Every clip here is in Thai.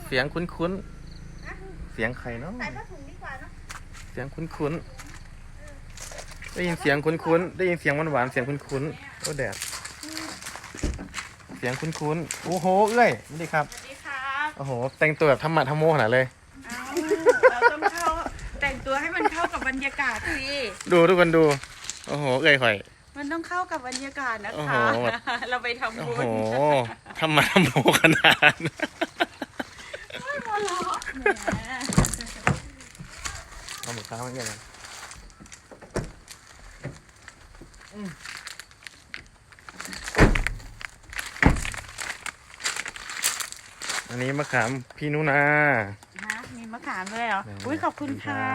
เสียงคุ้นๆเสียงใครเนาะใส่ผ้าถุงดีกว่าเนาะเสียงคุ้นๆได้ยินเสียงคุ้นๆได้ยินเสียงหวานๆเสียงคุ้นๆโอ้แดดเสียงคุ้นๆโอ้โหเอ้ยสวัสดีครับสวัสดีครับโอ้โหแต่งตัวแบบธรรมะธรรมโมขนาดเลยเอาเราต้องแต่งตัวให้มันเข้ากับบรรยากาศสิดูทุกคนดูโอ้โหเอ้ยข่อยมันต้องเข้ากับบรรยากาศนะโอ้โหคะเราไปทำโอ้บุโหญธรรมะธรรมโมขนาดเอาหมูข้าวมาเงี้ยกันอันนี้มะขามพี่นุนามีมะขามด้วยเหรออุ้ยขอบคุณค่ะ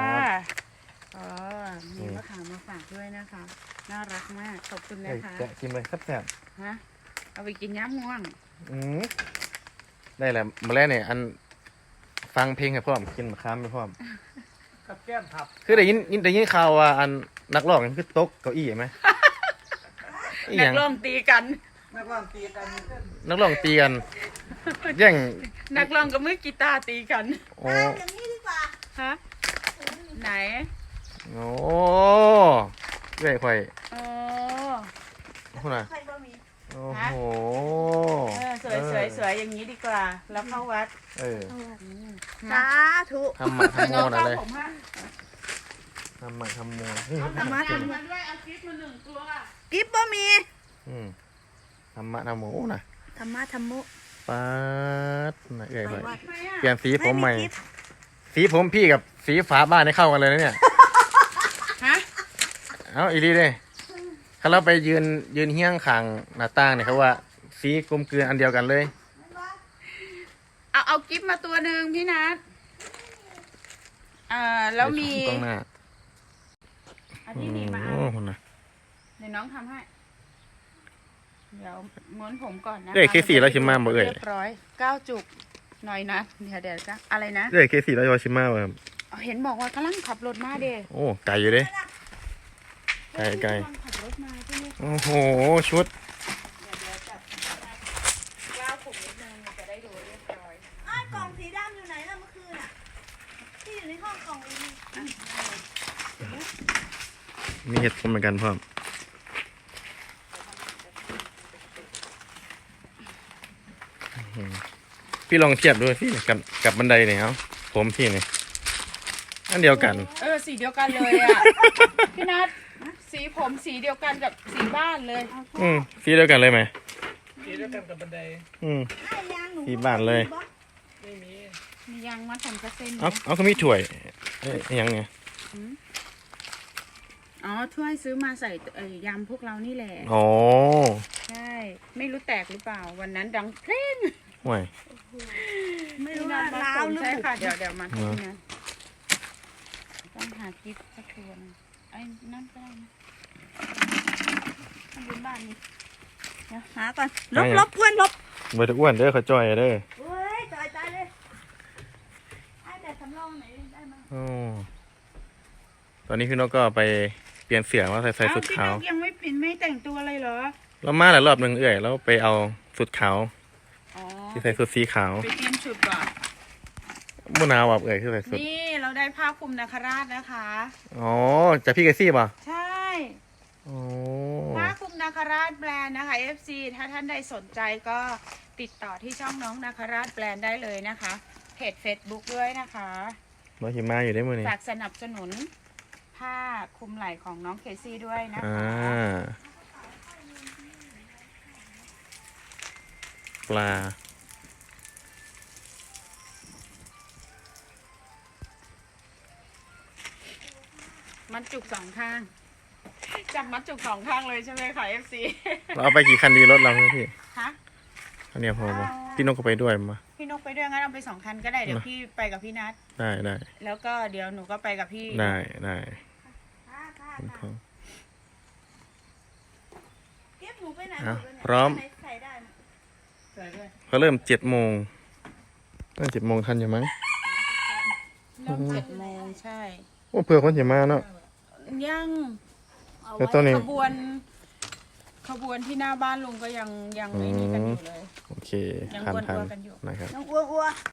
มีมะขามมาฝากด้วยนะคะน่ารักมากขอบคุณนะคะแกะกินเลยแซ่บฮะเอาไปกินย้ำง่วงได้แหละมาแล้วเนี่ยอันฟังเพลงให้พร้อมกินมะขามไปพร้อมกับแก้มผับคือได้ยินข่าวว่าอันนักร้องคือตกเก้าอี้ไหมนักร้องตีกันนักร้องตีกันนักร้องตีกันแย่งนักร้องกับมือกีตาร์ตีกันโอ้อย่างนี้ดีกว่าฮะไหนโอ้เรื่อยค่อยโอ้คุณน่ะโอ้โหสวยอย่างนี้ดีกว่าแล้วเข้าวัดสาธุทำมาทำโมนะเลยทำมาทำโมทำมาด้วยเอากิ๊บมา1 ตัวกิ๊บบ่มีทำมาทำโมนะธรรมะธรรมุป๊าดนะเอ้ยเปลี่ยนสีผมใหม่สีผมพี่กับสีฝาบ้านให้เข้ากันเลยนะเนี่ยฮะเอาอีลีเลยเขาเราไปยืนเฮี้ยงขังหน้าต่างเนี่ยเขาว่าสีกลมเกลืออันเดียวกันเลยเอากิ๊บมาตัวหนึ่งพี่นัทแล้วมีกล้องหน้าอันนี้มีมาเดี๋ยวน้องทำให้เดี๋ยวม้วนผมก่อนนะเคสี่แล้วชิมมาบ่เอ่ยเรียบร้อย9 จุกหน่อยนะเดี๋ยวจ้ะอะไรนะเคสี่แล้วชิมมาแบบเห็นบอกว่ากำลังขับรถมาเด้โอ้ไกลอยู่เด้ไกลโอ้โหชุดกล่องสีดำอยู่ไหนล่ะเมื่อคืนอ่ะที่อยู่ในห้องกล่องมีเห็ดผมเหมือนกันพ่อพี่ลองเทียบดูสิกับบันไดเนี่ยครับผมพี่เนี่ยอันเดียวกันสีเดียวกันเลยอ่ะพี่นัทสีผมสีเดียวกันกับสีบ้านเลยสีเดียวกันเลยไหมสีเดียวกันกับบันไดสีบ้านเลยไม่มียังมาทำกระเซ็นเอาเขามีถ้วยยังไงถ้วยซื้อมาใส่ยำพวกเรานี่แหละอ๋อใช่ไม่รู้แตกหรือเปล่าวันนั้นดังเพลงห่วยไม่รู้ว่าล้าวหรือใช่ค่ะเดี๋ยวมาที่นะต้องหากิ๊บสักตัวนึงไอ้นั่นก็ได้นะทำบุญบ้านนี้เดี๋ยวหาก่อนลบอ้วนลบเบอร์อ้วนเด้อเขาจ่อยเด้อเฮ้ยจ่อยเลยไอ้แต่สำรองไหนได้มั้งตอนนี้พี่นกก็ไปเปลี่ยนเสื้อมาใส่สุดขาวยังไม่เปลี่ยนไม่แต่งตัวอะไรเหรอเรามาหลายรอบหนึ่งแล้วไปเอาสุดขาวที่ใส่สุดสีขาวไปเตรียมชุดก่อนมุนาวแบบที่ใส่สุดนี่เราได้ผ้าคลุมนาคราชนะคะจากพี่เกซี่ป่ะใช่ผ้าคลุมนาคราชแบรนด์นะคะ FC ถ้าท่านใดสนใจก็ติดต่อที่ช่องน้องนาคราชแบรนด์ได้เลยนะคะเพจ Facebook ด้วยนะคะมาหิมะอยู่ได้มือนี้ฝากสนับสนุนผ้าคลุมไหล่ของน้องเคซี่ด้วยนะคะปลามัดจุก2 ข้างจับมัดจุก2 ข้างเลยใช่ไหมคะ FC เราเอาไปกี่คันดีรถเราพี่ฮะคันเดียวพอป่ะพี่นกก็ไปด้วยมาพี่นกไปด้วยงั้นเอาไป2 คันก็ได้เดี๋ยวพี่ไปกับพี่นัทได้แล้วก็เดี๋ยวหนูก็ไปกับพี่ได้พร้อมเขาเริ่ม7 โมงตั้ง7 โมงทันอยู่มั้งเริ่ม7 โมงใช่โอ้เผื่อคนจะมาเนาะยังแล้วตอนนี้ขบวนที่หน้าบ้านลุงก็ยังไม่มีกันอยู่เลยโอเคยังอ้วนๆกันอยู่นะครับ